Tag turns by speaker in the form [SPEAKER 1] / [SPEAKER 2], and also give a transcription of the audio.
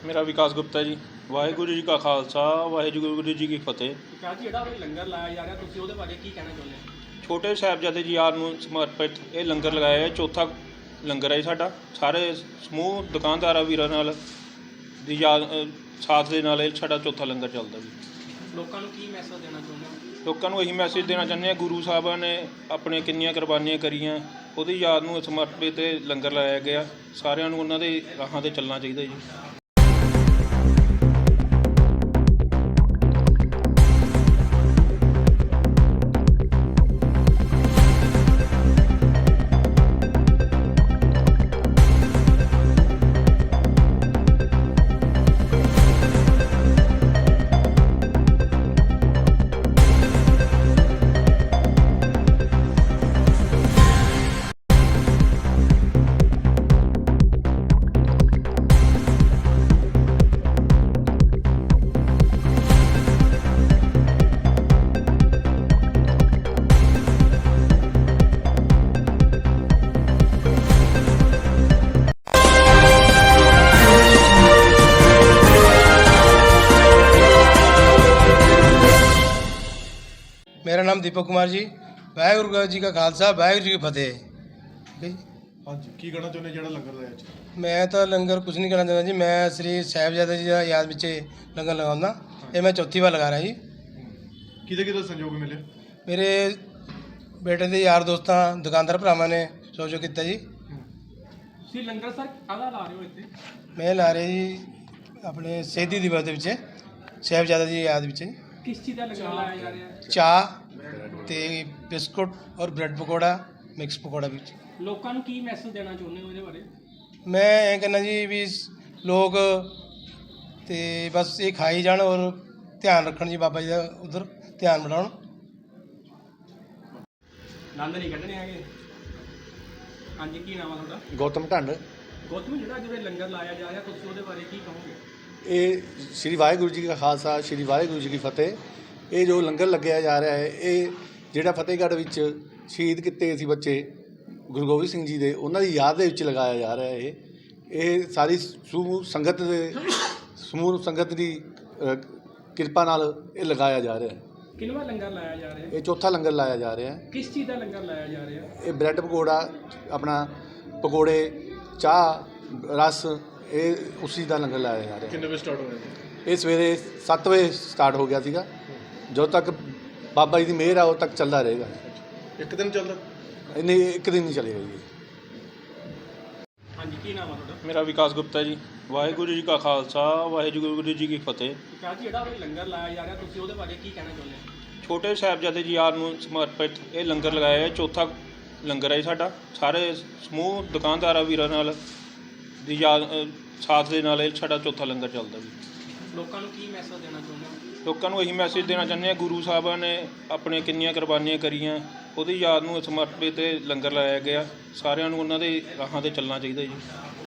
[SPEAKER 1] ਮੇਰਾ ਵਿਕਾਸ ਗੁਪਤਾ ਜੀ। ਵਾਹਿਗੁਰੂ ਜੀ ਕਾ ਖਾਲਸਾ, ਵਾਹਿਗੁਰੂ ਜੀ ਕੀ ਫਤਿਹ।
[SPEAKER 2] ਵਿਕਾਸ ਜੀ, ਜਿਹੜਾ ਲੰਗਰ ਲਾਇਆ ਜਾ ਰਿਹਾ, ਤੁਸੀਂ ਉਹਦੇ ਬਾਰੇ ਕੀ ਕਹਿਣਾ ਚਾਹੁੰਦੇ ਹੋ?
[SPEAKER 1] ਛੋਟੇ ਸਾਹਿਬਜ਼ਾਦੇ ਜੀ ਯਾਦ ਨੂੰ ਸਮਰਪਿਤ ਇਹ ਲੰਗਰ ਲਗਾਇਆ ਹੈ। ਚੌਥਾ ਲੰਗਰ ਹੈ ਜੀ ਸਾਡਾ। ਸਾਰੇ ਸਮੂਹ ਦੁਕਾਨਦਾਰਾਂ ਵੀਰਾਂ ਨਾਲ ਦੀ ਯਾਦ ਸਾਥ ਦੇ ਨਾਲ ਇਹ ਸਾਡਾ ਚੌਥਾ ਲੰਗਰ ਚੱਲਦਾ ਜੀ।
[SPEAKER 2] ਲੋਕਾਂ ਨੂੰ ਕੀ ਮੈਸੇਜ ਦੇਣਾ ਚਾਹੁੰਦੇ ਹੋ?
[SPEAKER 1] ਲੋਕਾਂ ਨੂੰ ਇਹੀ ਮੈਸੇਜ ਦੇਣਾ ਚਾਹੁੰਦੇ ਹਾਂ, ਗੁਰੂ ਸਾਹਿਬਾਂ ਨੇ ਆਪਣੇ ਕਿੰਨੀਆਂ ਕੁਰਬਾਨੀਆਂ ਕਰੀਆਂ, ਉਹਦੀ ਯਾਦ ਨੂੰ ਸਮਰਪਿਤ ਇਹ ਲੰਗਰ ਲਾਇਆ ਗਿਆ। ਸਾਰਿਆਂ ਨੂੰ ਉਹਨਾਂ ਦੇ ਰਾਹਾਂ 'ਤੇ ਚੱਲਣਾ ਚਾਹੀਦਾ ਜੀ।
[SPEAKER 3] मेरा नाम दीपक कुमार जी। वाहिगुरू जी का खालसा, वाहिगुरू जी की फतेह। ठीक है जी।
[SPEAKER 4] हाँ जी, की कहना चाਹੁੰਦੇ ਜਿਹੜਾ ਲੰਗਰ ਲਾਇਆ ਅੱਜ?
[SPEAKER 3] मैं तो लंगर कुछ नहीं करना चाहता जी। मैं श्री साहिबजादा जी का याद ਵਿੱਚ लंगर लगाऊंगा। ये मैं चौथी बार लगा रहा जी।
[SPEAKER 4] ਕਿਹਦੇ ਕਿਹਦੇ ਸੰਯੋਗ ਮਿਲੇ?
[SPEAKER 3] मेरे बेटे ਦੇ ਯਾਰ ਦੋਸਤਾਂ ਦੁਕਾਨਦਾਰ ਭਰਾਵਾਂ ਨੇ ਸਹਿਯੋਗ ਕੀਤਾ ਜੀ।
[SPEAKER 2] ਤੁਸੀਂ ਲੰਗਰ ਸਰ ਕਾਹਦਾ ਲਾ ਰਹੇ ਹੋ ਇੱਥੇ?
[SPEAKER 3] ਮੈਂ ਲਾ ਰਿਹਾ ਜੀ ਆਪਣੇ ਸ਼ਹੀਦੀ ਦਿਵਸ ਦੇ ਵਿੱਚ ਸਾਹਿਬਜ਼ਾਦਾ ਜੀ ਦੀ ਯਾਦ ਵਿੱਚ
[SPEAKER 2] ਕਿਸ ਚੀਜ਼ ਦਾ ਲੰਗਰ ਲਾਇਆ ਜਾ ਰਿਹਾ ਹੈ?
[SPEAKER 3] ਚਾਹ ਤੇ ਬਿਸਕੁਟ ਔਰ ਬ੍ਰੈਡ ਪਕੌੜਾ, ਮਿਕਸ ਪਕੌੜਾ ਵਿੱਚ।
[SPEAKER 2] ਲੋਕਾਂ ਨੂੰ ਕੀ ਮੈਸੇਜ ਦੇਣਾ ਚਾਹੁੰਦੇ ਹੋ ਇਹਦੇ ਬਾਰੇ?
[SPEAKER 3] ਮੈਂ ਇਹ ਕਹਿੰਦਾ ਜੀ ਵੀ ਲੋਕ ਤੇ ਬਸ ਇਹ ਖਾਈ ਜਾਣ ਔਰ ਧਿਆਨ ਰੱਖਣ ਜੀ, ਬਾਬਾ ਜੀ ਦਾ ਉਧਰ ਧਿਆਨ ਬਣਾਉਣ।
[SPEAKER 2] ਆਨੰਦ ਨਹੀਂ ਕੱਢਣੇ ਹੈਗੇ। ਹਾਂਜੀ, ਕੀ ਨਾਮ ਆ ਤੁਹਾਡਾ?
[SPEAKER 5] ਗੌਤਮ ਢੰਡ।
[SPEAKER 2] ਗੌਤਮ, ਜਿਹੜਾ ਜਿਵੇਂ ਲੰਗਰ ਲਾਇਆ ਜਾ ਰਿਹਾ, ਤੁਸੀਂ ਉਹਦੇ ਬਾਰੇ ਕੀ ਕਹੋਗੇ?
[SPEAKER 5] ਇਹ ਸ਼੍ਰੀ ਵਾਹਿਗੁਰੂ ਜੀ ਕਾ ਖਾਲਸਾ, ਸ਼੍ਰੀ ਵਾਹਿਗੁਰੂ ਜੀ ਕੀ ਫਤਿਹ। ਇਹ ਜੋ ਲੰਗਰ ਲੱਗਿਆ ਜਾ ਰਿਹਾ ਹੈ, ਇਹ ਜਿਹੜਾ ਫਤਿਹਗੜ੍ਹ ਵਿੱਚ ਸ਼ਹੀਦ ਕੀਤੇ ਸੀ ਬੱਚੇ ਗੁਰੂ ਗੋਬਿੰਦ ਸਿੰਘ ਜੀ ਦੇ, ਉਹਨਾਂ ਦੀ ਯਾਦ ਦੇ ਵਿੱਚ ਲਗਾਇਆ ਜਾ ਰਿਹਾ ਹੈ। ਇਹ ਸਾਰੀ ਸਮੂਹ ਸੰਗਤ ਦੀ ਕਿਰਪਾ ਨਾਲ ਇਹ ਲਗਾਇਆ ਜਾ ਰਿਹਾ ਹੈ।
[SPEAKER 2] ਕਿੰਨਵਾਂ ਲੰਗਰ ਲਾਇਆ ਜਾ ਰਿਹਾ?
[SPEAKER 5] ਇਹ ਚੌਥਾ ਲੰਗਰ ਲਾਇਆ ਜਾ ਰਿਹਾ ਹੈ।
[SPEAKER 2] ਕਿਸ ਚੀਜ਼ ਦਾ ਲੰਗਰ ਲਾਇਆ ਜਾ ਰਿਹਾ?
[SPEAKER 5] ਇਹ ਬ੍ਰੈਡ ਪਕੌੜਾ, ਆਪਣਾ ਪਕੌੜੇ, ਚਾਹ, ਰਸ, ਇਹ ਉਸ ਚੀਜ਼ ਦਾ ਲੰਗਰ ਲਾਇਆ ਜਾ ਰਿਹਾ।
[SPEAKER 4] ਕਿੰਨੇ ਵਜੇ ਸਟਾਰਟ ਹੋਇਆ ਜੀ?
[SPEAKER 5] ਇਹ ਸਵੇਰੇ 7 ਵਜੇ ਸਟਾਰਟ ਹੋ ਗਿਆ ਸੀਗਾ। ਜਦੋਂ ਤੱਕ ਬਾਬਾ ਜੀ ਦੀ ਮਿਹਰ ਆ ਉਦੋਂ ਤੱਕ ਚੱਲਦਾ ਰਹੇਗਾ।
[SPEAKER 4] ਇੱਕ ਦਿਨ ਚੱਲਦਾ?
[SPEAKER 5] ਨਹੀਂ, ਇੱਕ ਦਿਨ ਨਹੀਂ ਚੱਲੇਗਾ ਜੀ।
[SPEAKER 2] ਹਾਂਜੀ, ਕੀ ਨਾਮ ਆ ਤੁਹਾਡਾ?
[SPEAKER 1] ਮੇਰਾ ਵਿਕਾਸ ਗੁਪਤਾ ਜੀ। ਵਾਹਿਗੁਰੂ ਜੀ ਕਾ ਖਾਲਸਾ, ਵਾਹਿਗੁਰੂ ਜੀ ਕੀ ਫਤਿਹ।
[SPEAKER 2] ਵਿਕਾਸ ਜੀ, ਜਿਹੜਾ ਲੰਗਰ ਲਾਇਆ ਜਾ ਰਿਹਾ, ਤੁਸੀਂ ਉਹਦੇ ਬਾਰੇ ਕੀ ਕਹਿਣਾ ਚਾਹੁੰਦੇ ਹੋ?
[SPEAKER 1] ਛੋਟੇ ਸਾਹਿਬਜ਼ਾਦੇ ਜੀ ਯਾਦ ਨੂੰ ਸਮਰਪਿਤ ਇਹ ਲੰਗਰ ਲਗਾਇਆ ਹੈ। ਚੌਥਾ ਲੰਗਰ ਹੈ ਜੀ ਸਾਡਾ। ਸਾਰੇ ਸਮੂਹ ਦੁਕਾਨਦਾਰਾਂ ਵੀਰਾਂ ਨਾਲ ਦੀ ਯਾਦ ਸਾਥ ਦੇ ਨਾਲ ਇਹ ਸਾਡਾ ਚੌਥਾ ਲੰਗਰ ਚੱਲਦਾ ਜੀ।
[SPEAKER 2] ਲੋਕਾਂ ਨੂੰ ਕੀ ਮੈਸੇਜ ਦੇਣਾ ਚਾਹੁੰਦੇ ਹੋ?
[SPEAKER 1] ਲੋਕਾਂ ਨੂੰ ਇਹੀ ਮੈਸੇਜ ਦੇਣਾ ਚਾਹੁੰਦੇ ਹਾਂ, ਗੁਰੂ ਸਾਹਿਬਾਂ ਨੇ ਆਪਣੇ ਕਿੰਨੀਆਂ ਕੁਰਬਾਨੀਆਂ ਕਰੀਆਂ, ਉਹਦੀ ਯਾਦ ਨੂੰ ਸਮਰਪਿਤ ਇਹ ਲੰਗਰ ਲਾਇਆ ਗਿਆ। ਸਾਰਿਆਂ ਨੂੰ ਉਹਨਾਂ ਦੇ ਰਾਹਾਂ 'ਤੇ ਚੱਲਣਾ ਚਾਹੀਦਾ ਜੀ।